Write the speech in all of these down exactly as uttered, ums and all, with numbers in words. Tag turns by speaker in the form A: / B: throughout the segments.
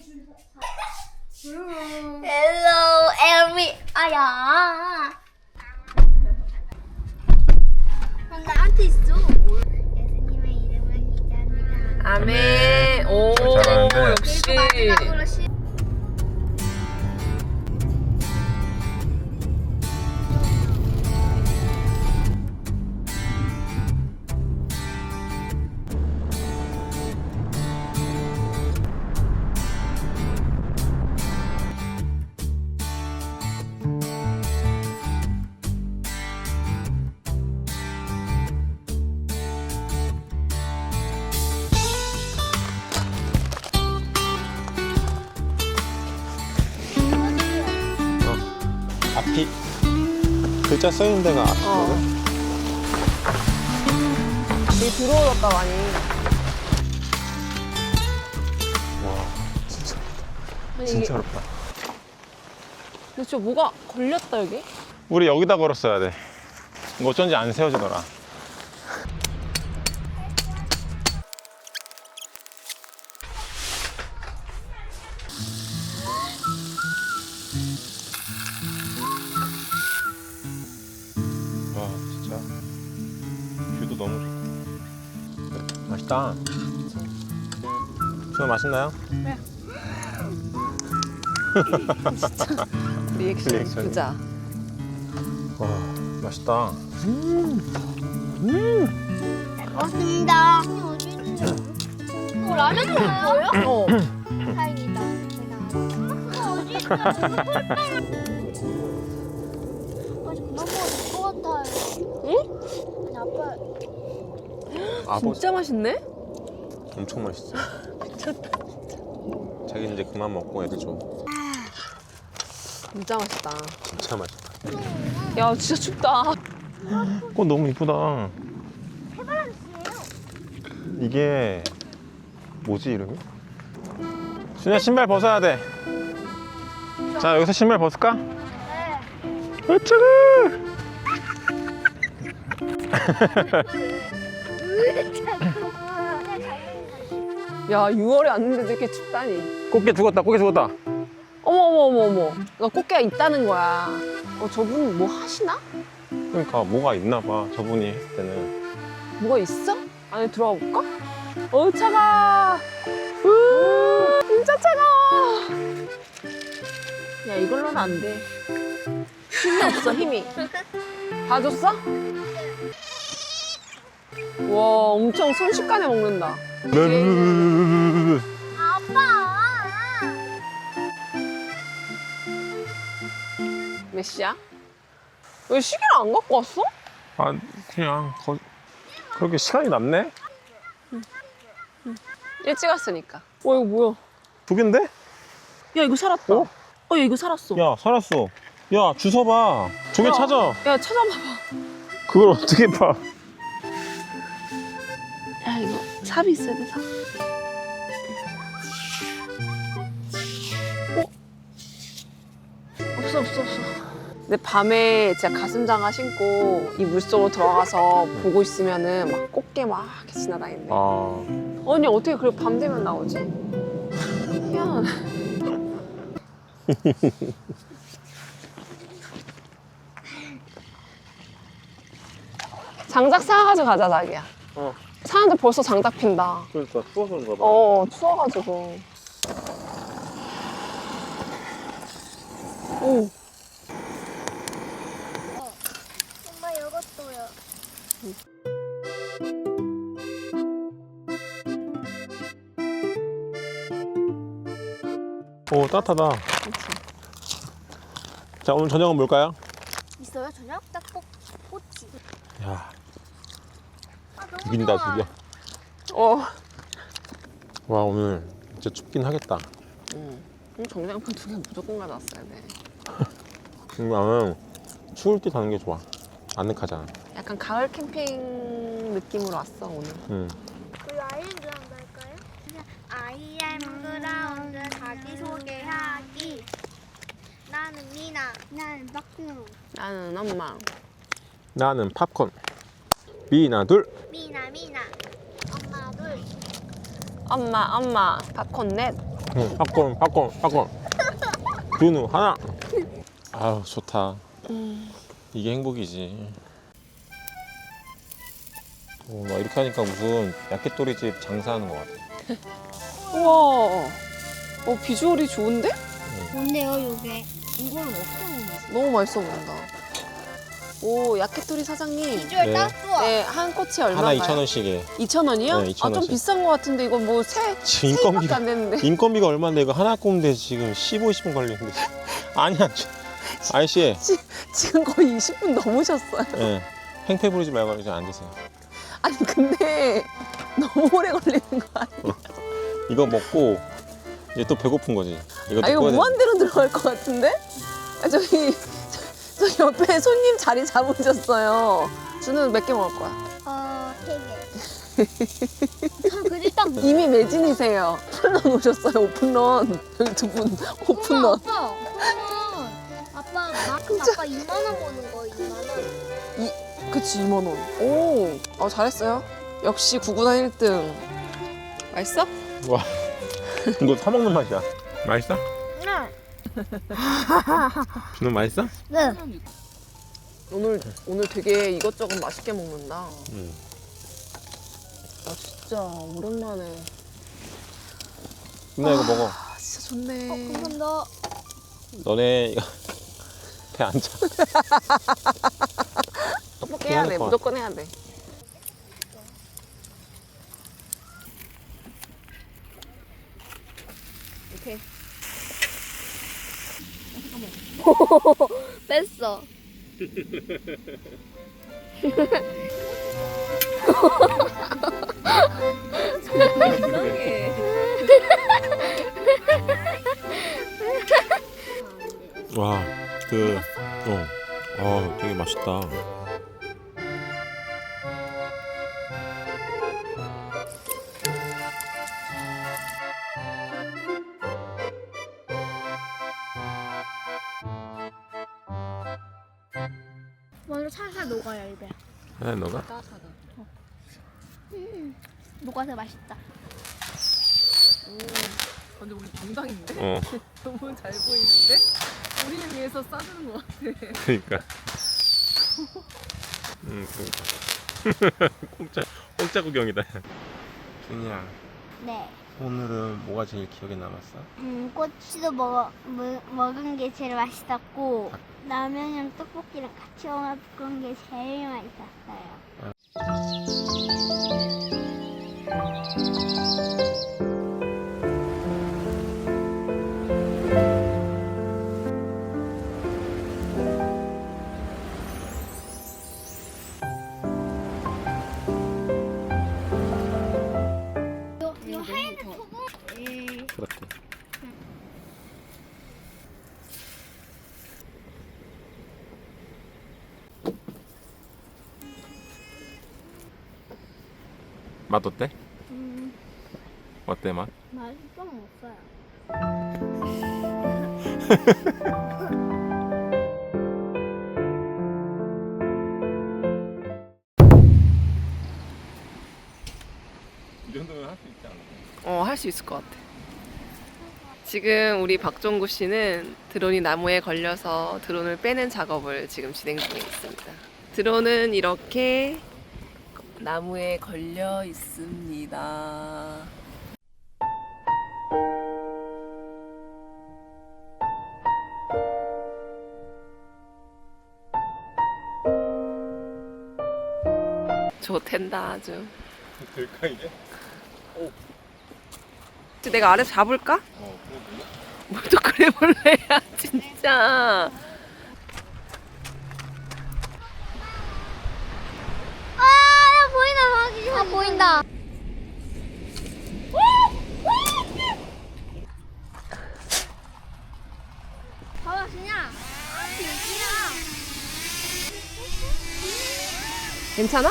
A: Hello, every. 아야. 나한테 있어. 예수님의 이름을 기도합니다.
B: 아멘. 오,
C: 잘하는데.
B: 역시.
A: 마지막으로 시.
C: 앞이 글자 써있는 데가 앞이거든?
B: 어. 되게 들어오졌다 많이.
C: 와 진짜
B: 아니,
C: 진짜
B: 이게,
C: 어렵다.
B: 근데 진짜 뭐가 걸렸다 여기?
C: 우리 여기다 걸었어야 돼. 이거 어쩐지 안 세워지더라. 와 진짜 뷰도 너무 좋다. 맛있다. 수아 맛있나요?
B: 네. 리액션
C: 리액션.
B: 부자.
C: 와 맛있다.
A: 맞습니다. 어, 라면 먹어요?
B: 어.
A: 다행이다. 제가 어디 있어? 아직 그만 먹어도 될것 같아요.
B: 응?
A: 아니, 아빠.
C: 아버지
B: 진짜 맛있네?
C: 엄청 맛있어. 자기 이제 그만 먹고 애들 줘.
B: 진짜 맛있다.
C: 진짜 맛있다.
B: 야 진짜 춥다.
C: 꽃 너무 이쁘다. 이게 뭐지 이름이? 준야 신발 벗어야 돼. 자 여기서 신발 벗을까?
A: 네.
C: 어쩌고?
B: 야 유월에 왔는데도 이렇게 춥다니.
C: 꽃게 죽었다. 꽃게 죽었다.
B: 어머 어머 어머 어머. 나 꽃게가 있다는 거야. 어 저분 뭐 하시나?
C: 그러니까 뭐가 있나 봐. 저분이 했을 때는.
B: 뭐가 있어? 안에 들어가 볼까? 어 차가. 우 진짜 차가워. 야 이걸로는 안 돼. 힘이 없어 힘이. 봐줬어? 와 엄청 순식간에 먹는다.
A: 아빠.
B: 몇 시야? 왜 시계를 안 갖고 왔어?
C: 아 그냥 거... 그렇게 시간이 남네?
B: 일찍 왔으니까. 와 이거 뭐야?
C: 두 개인데?
B: 야 이거 살았다.
C: 어?
B: 어, 야 이거 살았어.
C: 야 살았어. 야 주워 봐. 조개
B: 야,
C: 찾아.
B: 야 찾아봐봐.
C: 그걸 어떻게 봐?
B: 야 이거 삽이 있어야 돼 삽. 어? 없어 없어 없어. 근데 밤에 진짜 가슴장화 신고 이 물속으로 들어가서 보고 있으면은 막 꽃게 막 이렇게 지나다니네.
C: 아
B: 아니 어떻게 그래 밤 되면 나오지? 희한하네. 장작 사가지고 가자 자기야.
C: 어.
B: 사람들 벌써 장작 핀다.
C: 그러니까 추워서 그런가 봐.
B: 어 추워가지고. 오.
A: 엄마 이것도요.
C: 오 따뜻하다. 자 오늘 저녁은 뭘까요?
A: 있어요 저녁? 딱꼭 꼬치.
C: 야
A: 아, 너무
C: 죽인다
A: 좋아.
C: 죽여.
B: 어.
C: 와 오늘 진짜 춥긴 하겠다.
B: 응. 정장판 두 개 무조건 가져왔어야 돼.
C: 근데 나는 추울 때 가는 게 좋아. 아늑하잖아.
B: 약간 가을 캠핑 느낌으로 왔어 오늘.
C: 응.
A: 그 아이엠그라운드 할까요? 그냥 아이엠그라운드 자기소개하기. 나는 미나. 나는 박근호.
B: 나는 엄마.
C: 나는 팝콘. 미나 둘.
A: 미나 미나. 엄마 둘.
B: 엄마 엄마 팝콘 넷.
C: 응, 팝콘, 팝콘, 팝콘. 준우 하나. 아우 좋다.
B: 음.
C: 이게 행복이지. 오, 나 이렇게 하니까 무슨 야끼토리집 장사하는 것 같아.
B: 우와. 어 비주얼이 좋은데?
A: 뭔데요, 요게?
B: 이거는 어떻게 먹는 너무 맛있어 보인다. 오 야키토리 사장님.
A: 비주얼
C: 네.
A: 딱 좋아.
B: 네, 한 꼬치
C: 하나
B: 얼마인가요?
C: 이천 원씩에.
B: 이천 원이요?
C: 네, 이천
B: 아, 좀
C: 원씩.
B: 비싼 것 같은데 이건 뭐 세,
C: 지금
B: 세입밖에
C: 인건비가
B: 안 됐는데.
C: 인건비가 얼마인데 이거 하나 굽는데 지금 십오, 이십 분 걸리는데. 아니야. 아저씨.
B: 지금 거의 이십 분 넘으셨어요.
C: 예. 행패 부리지 말고 이제 앉으세요.
B: 아니 근데 너무 오래 걸리는 거 아니야?
C: 이거 먹고 이제 또 배고픈 거지. 이것도
B: 아 이거
C: 구워야 돼.
B: 무한대로 들어갈 것 같은데? 아 저기 저, 저 옆에 손님 자리 잡으셨어요. 준우는 몇 개 먹을 거야?
A: 어, 세 개. 저 그리 딱
B: 이미 매진이세요. 오픈런 오셨어요. 오픈런. 여기 두 분 오픈런.
A: 아빠, 그러면 아빠 마크 아빠 이만 원 버는 거 이만 원.
B: 그치 이만 원. 오, 어, 잘했어요. 역시 구구단 일 등. 맛있어?
C: 와. 이거 사 먹는 맛이야. 맛있어?
A: 네.
C: 준우 맛있어?
A: 네.
B: 오늘 오늘 되게 이것저것 맛있게 먹는다.
C: 응.
B: 아 진짜 오랜만에.
C: 준아 이거 먹어.
B: 아 진짜 좋네.
A: 어, 감사합니다.
C: 너네 이거 배 안 차.
B: 떡볶이 해야 돼.
C: 해야 될
B: 무조건 해야 돼. 오케이.
A: 뺐어.
B: 이상해.
C: 와, 그, 어, 아, 되게 맛있다.
A: 먼저 살살 녹아요, 입에.
C: 해, 너가?
A: 녹아서 맛있다.
B: 근데 우리 정당인데?
C: 어,
B: 너무 잘 보이는데? 우리를 위해서 싸주는 것 같아.
C: 그러니까. 음, 그러니까. 공짜, 공짜 구경이다. 준이야,
A: 네.
C: 오늘은 뭐가 제일 기억에 남았어?
A: 음, 꼬치도 먹어, 먹, 먹은 게 제일 맛있었고 라면이랑 떡볶이랑 같이 먹은 게 제일 맛있었어요. 요, 요 하얀 소금? 예.
C: 그렇게. 맛 어때?
A: 음,
C: 어때 맛?
A: 맛이 좀 없어요.
C: 이 정도면 할 수 있지 않아?
B: 어, 할 수 있을 것 같아. 지금 우리 박종구 씨는 드론이 나무에 걸려서 드론을 빼는 작업을 지금 진행 중에 있습니다. 드론은 이렇게 나무에 걸려 있습니다. 좋텐다 아주.
C: 될까 이게?
B: 내가 아래 잡을까?
C: 어, 그러네.
B: 뭘 또 그래 볼래야 진짜.
A: 아, 보인다, 아, 보인다. 봐봐, 준이야.
B: 괜찮아?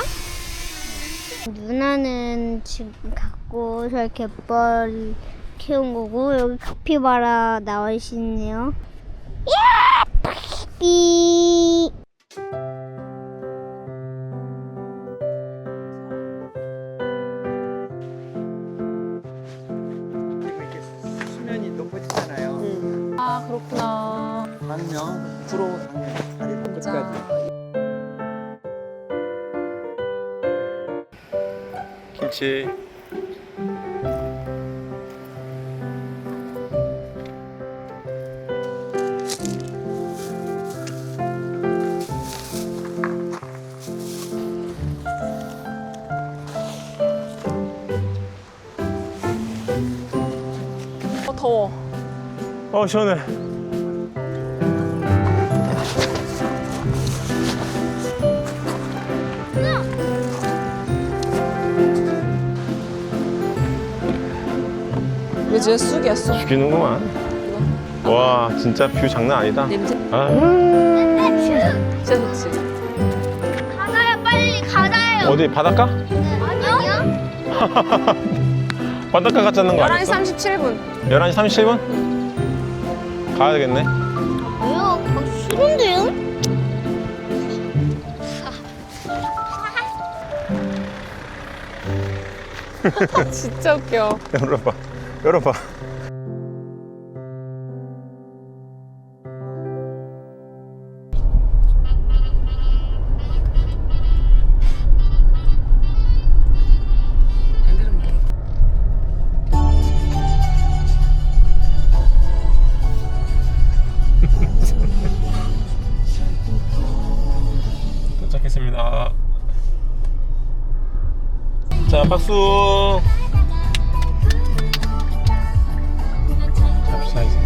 A: 누나는 지금 갖고 저 갯벌 키운 거고 여기 카피바라 나와 있네요. 삐.
D: 이렇게 수면이
B: 그렇구나.
D: 한명 부러워 다리 끝까지.
C: 김치.
B: 어, 더워.
C: 어 시원해.
B: 왜 진짜 쑥이었어?
C: 죽이는구만. 와 진짜 뷰 장난 아니다.
B: 냄새
C: 아,
B: 진짜 좋지.
A: 가다요, 빨리 가다요.
C: 어디 바닷가?
A: 아니요?
C: 바닷가 갔자는 거
B: 열한 시
C: 아니었어?
B: 삼십칠 분.
C: 열한 시 삼십칠 분? 가야 되겠네.
A: 왜요? 거기 싫은데요?
B: 진짜 웃겨.
C: 열어봐. 열어봐. 도착했습니다. 자, 박수. 잡시다 이제.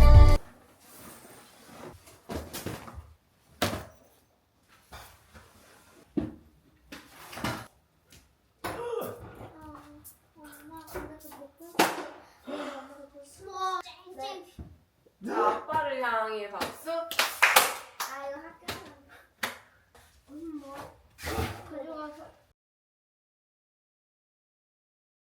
B: 자, 아빠를 향해 박수.
A: 아 이거 학교에서 뭐 가져가서